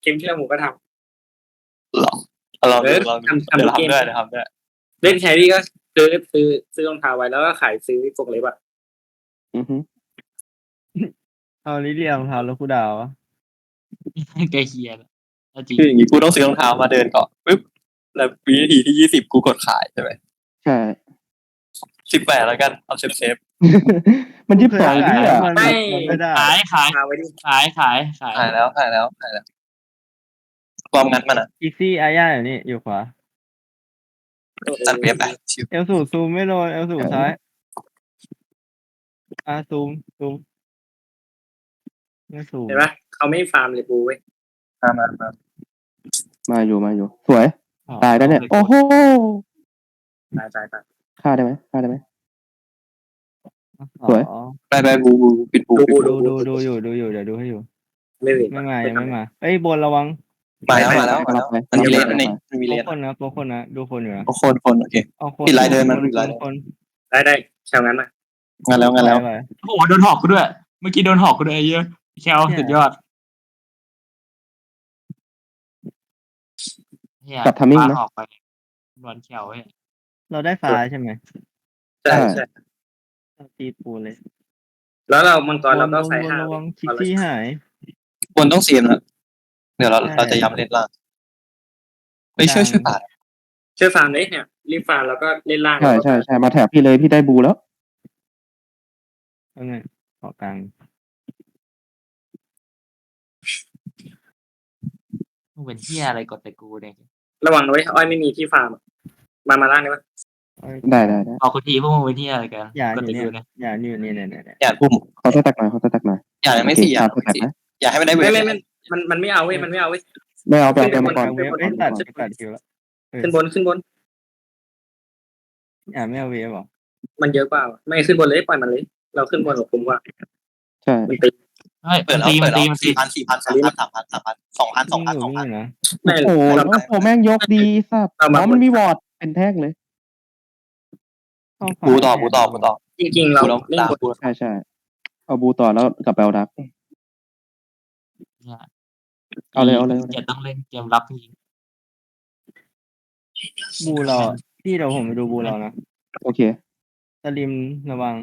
กมที่แล้วหมูก็ทหรอลองำดูทำเดี๋ยวทุกเกมทำด้วยเล่นแครี่ก็ซื้อรองเท้าไว้แล้วก็ขายซื้อกรงเล็บอะเอาลิเลียรองเท้าแล้วกูดาวอะแกเฮียจริงคืออย่างนี้กูต้องซื้อรองเท้ามาเดินก่อนปึ๊บแล้ววินาทีที่20กูกดขายใช่ไหมใช่ 18แล้วกันเอาเซฟมัน22นี่อ่ะมันไม่ได้ขายมาไว้ดิขายขายแล้วความงัดมันอ่ะอีซี่อาญาอยู่นี่อยู่ขวาตัดเว็บไปชิวเอลสูซูมไม่โดนเอลสูซ้ายซูมไม่ซูมเห็นปะเขาไม่ฟาร์มเลยปูเว้ยมาอยู่สวยตายแล้วเนี่ยโอ้โหตายฆ่าได้ไหมสวยไปบูปิดบูดูอยู่เดี๋ยวดูให้อยู่ไม่เห็นไม่มายังไม่มาเอ้ยบนระวังมาแล้วมันมีเลนนี่มันมีเลนโป๊ะคนนะดูคนอยู่นะคนโอเคเอาคนปิดลายเดินมันคนได้แถวนั้นมางานแล้วไปโอ้โหโดนหอกกูด้วยเมื่อกี้โดนหอกกูด้วยไอ้เหี้ยแคลสุดยอดกับทามมิ่งนะออกไปโดนแคลเว้ยเราได้ฟ้าใช่ไหมใช่ตีปูเลยแล้วเรามังกรเราก็ใส่บนห้าระวังคิกซี่หายบนต้องเสียมนะเดี๋ยวเราจะย้ำเล่นล่างไปช่วยป่าช่วยฟาร์มเลยเนี่ยรีบฟาร์มแล้วก็เล่นล่างใช่มาแถบพี่เลยพี่ได้บูแล้วเอาไงขอกลางมึงเป็นเหี้ยอะไรกดแต่กูเนี่ยระวังนะเว้ยอ้อยไม่มีที่ฟาร์มมาล่างได้ปะได้เอากูทีพวกมึงเป็นเหี้ยอะไรกันอย่ากดอยู่แต่เนี่ยกูเนี่ยอย่าอยู่เนี่ยอย่าพุ่มเขาจะตักหน่อยอย่าไม่เสีย อย่าให้มันได้เวไม่มันไม่เอาเว้ยมันไม่เอาเว้ยไม่เอาไปมาก่อนเวฟเอ้ยตัดคิวแล้วขึ้นบนอย่าไม่เอาเวฟหรอมันเยอะกว่าไม่ขึ้นบนเลยปล่อยมันเลยเราขึ้นบนกับผมว่าใช่มันตีเฮ้ยเปิดแล้ว4,000 2,000 นะไม่โอ้โหแม่งยกดีสัตว์มันมีวอร์ดเป็นแท่งเลยบูต่อจริงๆเราเล่นบนใช่เอาบูต่อแล้วกลับไปเอาดักเอาเลยจะต้องเล่นเกมรับจริงบูเราพี่เดี๋ยวผมไปดูบูเรานะโอเคสลิมระวัง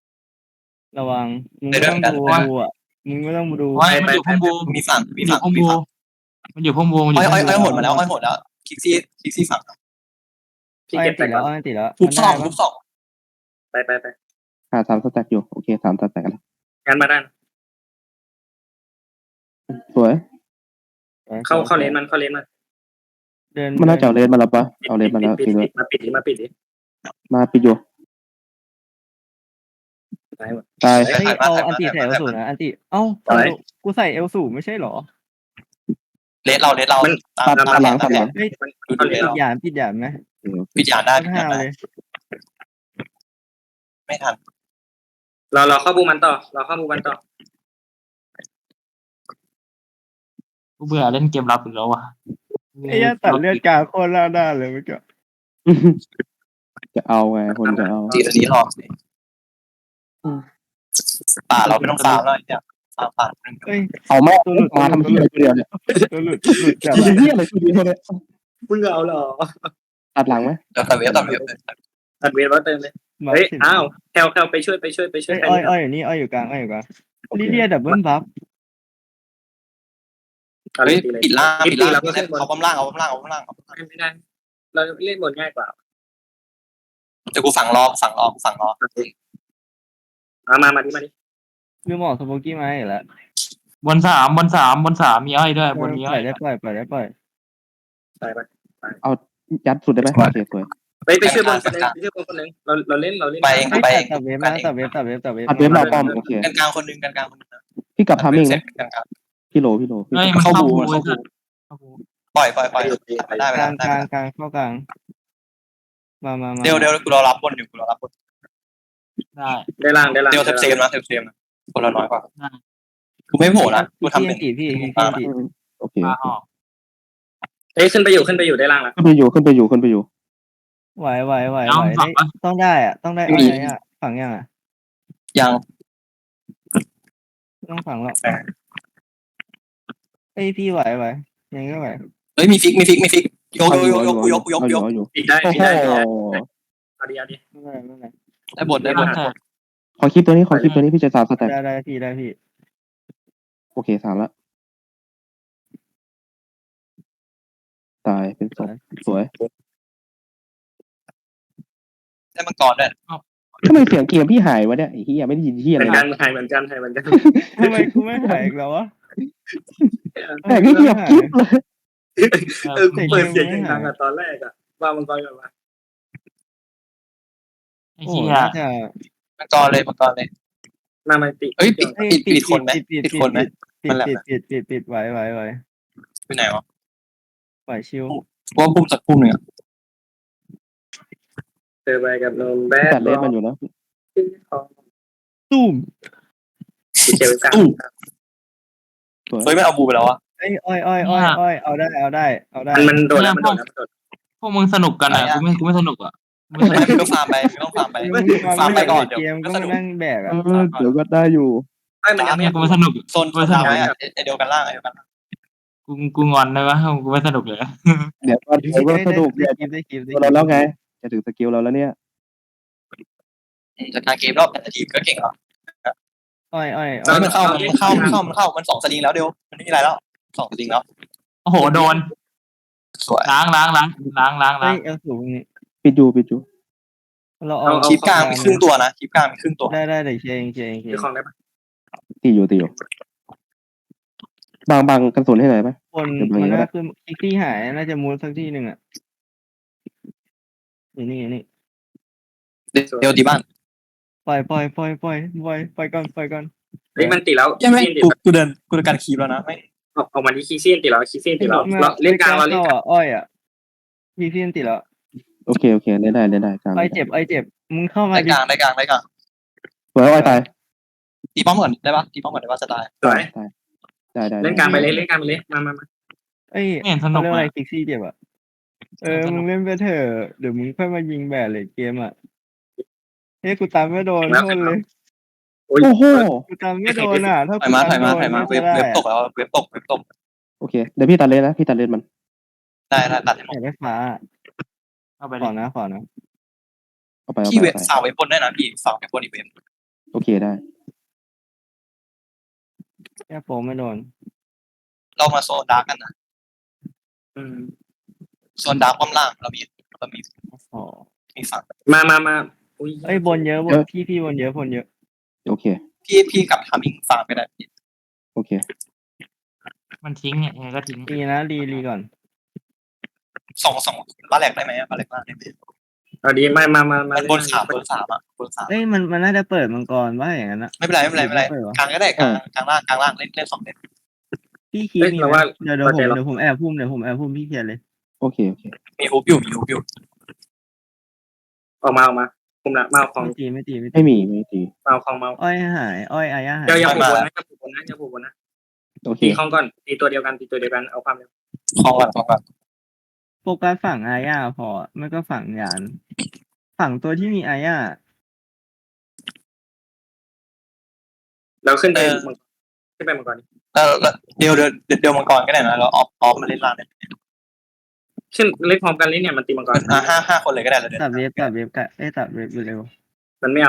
มึงไม่ต้องดูบูอ่ะมึงไม่ต้องดูๆมันอยู่พุ่มบูมีฝั่งมันอยู่พุ่มบูอ้อยหมดมาแล้วคิกซี่ฝั่งพี่เก็บไปติดก่แล้อวน ติดแล้วทุบสองไปหา3สแต็กอยู่โอเค3สแต็กกันงานมาด้านสวยเข้าเลนมันเดินมันน่าจะเอาเลนมาแล้วปะเอาเลนมาแล้วปิดจริงด้วยมาปิดดิมาปิดอยู่ตายหมดตายเอาอันติใส่เอลสูนะอันติกูใส่เอลสูไม่ใช่หรอเลสเราตามหลังเฮ้ยปิดหยามไหมปิดยานได้ห้าวเลยไม่ทันเราเข้าบูมันต่อกูเบื่อเล่นเกมรับอีกแล้วว่ะไอ้ยตัดเลือดกาโคตรล่าด้านเลยเมื่อกี้จะเอาไงคนจะเอาจีอันนี้รอป่าเราไม่ต้องฟาร์มแล้วเนี่ยฟาร์มป่าเฮ้ยเอาแม่มาทำที่อะไรตัวเดียวเนี่ยตัวหลุดจับที่อะไรตัวเดียวเนี่ยมึงเอาเหรอตัดหลังไหมเดี๋ยวตัดเวฟตัดเวฟแล้วเติมเลยเฮ้ยอ้าวแคลไปช่วยอ้อยอยู่นี่อ้อยอยู่กลางลิเลียดับเบิลบัฟเฮ้ยปิดล่างเอาป้อมล่างไม่ได้เราเล่นบนง่ายกว่าจะกูฝั่งรอมาดิลืมออกสโปกี้มาอีกแล้วบนสามมีอ้อยด้วยบนมีอ้อยได้ปล่อยไปเอายัดสุดได้ไหมโอเคสวยไปช่วยบนคนนึงเราเล่นไปเองตัดเวฟมาตัดเวฟอัดเว็บเราป้อมโอเคกลางคนนึงพี่กลับทามมิ่งนะกลางพี่โลเฮ้ยมันเข้าบูปล่อยได้กลางเข้ากลางมาเดี๋ยวกูรอรับบนอยู่ได้ล่างเดี๋ยวเซฟนะคนเราน้อยกว่ากูไม่โผล่นะกูทำเป็นพี่โอเคมาออกเฮ้ยขึ้นไปอยู่ได้ล่างแล้วขึ้นไปอยู่ไหวต้องได้อะต้องได้อะไรอ่ะฝังยังอ่ะยังต้องฝังหรอกเอ้ยพี่ไหวยังไม่ไหวเฮ้ยมีฟิกยกเอาอยู่ปิดได้โอ้ปิดโหได้เอาดีไม่ไหวไม่ไหวได้บทขอคลิปตัวนี้พี่จะ3 สแต็กได้พี่โอเค3ละตายเป็นศพสวยได้มังกรด้วยทำไมเสียงเกมพี่หายวะเนี่ยไอ้เหี้ยไม่ได้ยินเหี้ยเหอะไรมือนกันเลยหายเหมือนกันทำไมกูไม่หายอีกแล้ววะแต่ก็เงียบกิ๊บเลยกูเปิดเสียงดังอะตอนแรกอะว่ามังกรกันมาไอ้โอ้เหี้ยน่าจะมังกรเลยมาติเฮ้ยปิดคนไหมปิดคนไหมปิดไหวไปไหนวะไหวชิวว่าพุ่มสักพุ่มหนึ่งอ่ะเจอไปกับนมแบดตัดเลสมันอยู่นะตุ้มเขียวกลางสวยเฮ้ยไม่เอาบูไปแล้วอ่ะอ้อยเอาได้มันโดนแล้วมันโดนพวกมึงสนุกกันอ่ะกูไม่สนุกอ่ะไม่ต้องฟาร์มไปฟาร์มไปก่อนเดี๋ยวเกมก็มานั่งแบกอ่ะเดี๋ยวก็ได้อยู่ไม่มันยังไม่กูไม่สนุกโซนดาวไว้เดียวกันล่างกูงอนได้ปะกูไม่สนุกเลยเดี๋ยวก็สนุกเนี่ยได้คลิปเราแล้วไงจะถึงสกิลเราแล้วเนี่ยจากการเกมรอบแต่ละทีมก็เก่งแล้วอ้อยมันเข้ามัน2 สลิงแล้วเดียวมันไม่มีอะไรแล้ว2 สลิงแล้วโอ้โหโดนสวยล้างเฮ้ยเอาสูงนี่ปิดอยู่เราเอาคลิปกลางมีครึ่งตัวนะคลิปกลางมีครึ่งตัวได้เดี๋ยวเชียร์เองคือของได้ปะตีอยู่บางกระสุนให้หน่อยไหมคนมันน่าคืออีกที่หายน่าจะมูดสักที่หนึ่งอ่ะนี่เดียวดีบ้านปล่อยก่อนเฮ้ยมันติดแล้วยังไม่กูเดินการคีบแล้วนะไม่ออกมาที่คีซี่ติดแล้วคีซี่ติดแล้วเล่นกลางเราเล่นอ้อยอ่ะพี่เพี้ยนติดแล้วโอเคได้กลางไอเจ็บมึงเข้ามาได้กลางสวยไว้ตายตีป้อมก่อนได้ปะตีป้อมก่อนได้ปะจะตายสวยได้เล่นกลางไปเลยมาเอ้ยไม่เห็นสนุกเรื่องเลอะไรยฟิกซี่เจ็บอ่ะมึงเล่นไปเถอะเดี๋ยวมึงค่อยมายิงแบดเลยเกมอ่ะเฮ้ยกูตามไม่โดนโทษเลยโอ้โหกูตามไม่โดนอ่ะถ้าถอยมาเว็บตกแล้วเว็บตกโอเคเดี๋ยวพี่ตัดเลนนะพี่ตัดเลนมันได้ตัดให้หมอดยากได้ฟ้าเอาไปขอนะเอาไปพี่เว็บฝากไว้บนได้นะพี่ฝากไว้บนอีเว็บโอเคได้แค่โปไม่โดนเรามาโซนดาร์กกันนะโซนดาร์กป้อมล่างเรามีอ๋อมีฝั่งมาอุ้ยเอ้ยบนเยอะพี่บนเยอะโอเคพี่กับทามิ่งฟาร์มไปได้โอเคมันทิ้งเนี่ยก็ทิ้งดีนะรีก่อนสองบ้านแหลกได้ไหมบ้านแหลกได้ไหมเอาดีมามันบน3อ่ะบน3 เอ้ยมันน่าจะเปิดมังกรว่าอย่างนั้นนะไม่เป็นไรกลางก็ได้กลางล่างเล่น2 เล่นพี่คีมีไหมเดี๋ยวผมแอบพุ่มพี่เขียนเลยโอเคมีฮุบอยู่ออกมาคุมละมาของไม่ตีไม่ตีมาของอ้อยหายอ้อยอาญาหายอย่าผูกบนนะโอเคตีของก่อนตีตัวเดียวกันเอาความเร็วคลองก่อนโฟกัสฝั่งอาญาพอไม่ก็ฝั่งยานฝั่งตัวที่มีอาญาแล้วขึ้นไปมังกรแล้วเดียวมังกรก็ได้นะเราออฟมาเล่นล่างเนี่ยขึ้นเล่นพร้อมกันเลยเนี่ยมันตีมังกร 5 คนเลยก็ได้แล้วตัดเว็บกันตัดเว็บเร็วมันไม่เอา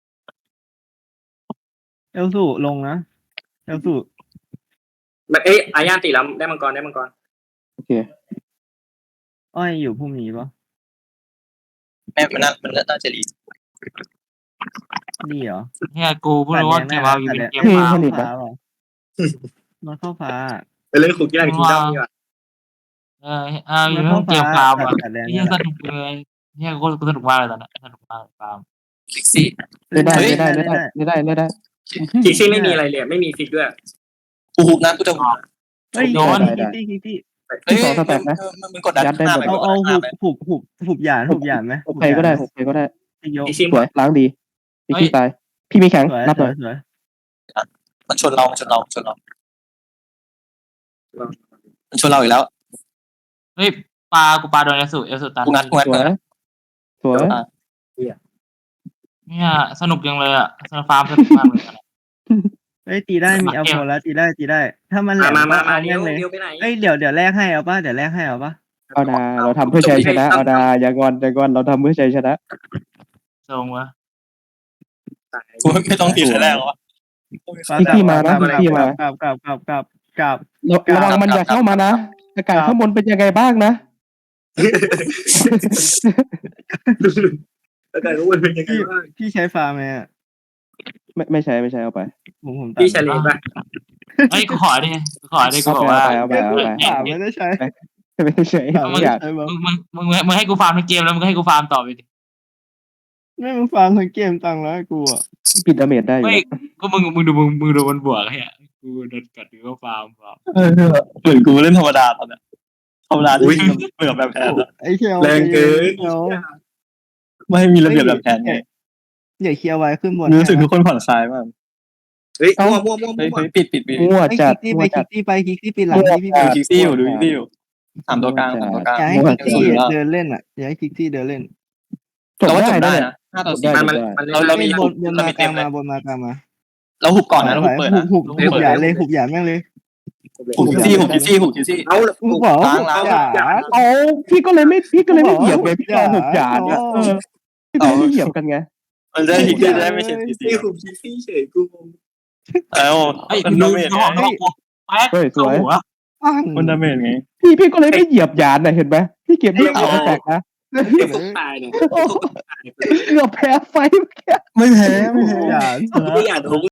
เอลสูลงนะเอลสูมันอาญาตีแล้วได้มังกรโอเคอ้อยอยู่พุ่มนี้ปะมันน่าจะดีดีเหรอเนี่ยกูพูดว่าเกมเอาอยู่เป็นเกมมาฟ้ามันเข้าฟ้าไปเล่นคุกกี้คิงดอมดีกว่าอยู่เป็นเกมฟาร์มอ่ะที่สนุกเลยเนี่ยกูสนุกมากเลยตอนนั้นสนุกมากฟาร์มฟิกซี่ได้คิกซี่ไม่มีอะไรเลยไม่มีฟิกด้วยกูฮุบนะกูจะฮุบเฮ้ยโดนคิกมึงกดดันหน้าไปเอาหุบหยานไหมโอเคก็ได้ยกคิกซี่สวยล้างดีพี่ตายพี่มีแข็งสวยรับหน่อยมันชนเรามันชนเราอีกแล้วเฮ้ยกูปลาโดนเอลสุตันกูงัดสวยเนี่ยสนุกจังเลยอ่ะฟาร์มสนุกมากเลยเอ้ยตีได้มีเอาโพลแล้วตีได้ ถ้ามันแหลมมาเอาเลี้แม่ยวงเลยเลี้ยวไปไหนเอ้ยเดี๋ยวแลกให้เอาป่ะเดี๋ยวแลกให้เอาป่ะเอาดาเราทำเพื่อชัยชนะเอาดาอย่างอนเราทำเพื่อชัยชนะทรงวะกูไม่ต้องตีแต่แรกหรอวะพี่มานะพี่มากลับระวังมันอย่าเข้ามานะอากาศข้างบนเป็นยังไงบ้างนะแล้วกันว่ามันเป็นยังไงบ้างพี่ใช้ฟาร์มไหมอ่ะไม่ใช่เอาไปผมตัดพี่เฉลี่ยป่ะเฮ้ยกูขอดิกูบอกว่าเอาไปฟาร์มไม่ได้ใช้ไม่ใช่ฟาร์มไม่อได้ยากใช้บ้างมึงให้กูฟาร์มทั้งเกมแล้วมึงให้กูฟาร์มต่อไปดิไม่มึงฟาร์มทั้งเกมตังค์แล้วให้กูอ่ะปิดดาเมจได้อยู่ไม่ก็มึงดูมันบวกไอ้เหี้ยกูโดนกัดกูก็ฟาร์มเหมือนกูเล่นธรรมดาตอนเนี้ยธรรมดาที่เบื่อแบบแพนอะไอ้เคียวแรงเกินเคียวไม่มีระเบียบแบบแพนไงอย่าเคลียร์ไว้ขึ้นบนรู้สึกทุกคนผ่อนคลายมากเฮ้ยมั่วเฮ้ยปิดมั่วไปจัดคิกมั่วจัดซี่ไปคิกซี่ปีหลังที่พี่ดูคิกซี่อยู่สามตัวกลางอย่าให้คิกซี่เดินเล่นอ่ะอย่าให้คิกซี่เดินเล่นจบเราว่าจได้บได้นะนะ5-4 มันเรามีบนมากลางมาบนมากลางมาเราหุบก่อนนะเราหุบเปิดนะหุบอย่าเลยหุบอย่าแม่งเลยหุบคิกซี่เอาหุบบอกอย่าอ๋อพี่ก็เลยไม่เหยียบไงพี่รอหกจานเนี่ยพี่ก็ไม่เหยียบกันไงมันได้คิกซี่ได้ไม่ใช่คิกซี่พี่คุมคิซี่เฉยกูงงแล้วเฮ้ยมันดูดาเมจของกูแป๊กเข้าหัวมันดาเมจไงพี่ก็เลยไม่เหยียบยานนะเห็นไหมพี่เก็บไม่เอาแตกนะเดี๋ยวผมตายเนี่ยเกือบแพ้ไฟไม่แพ้อย่าไม่อยากโดน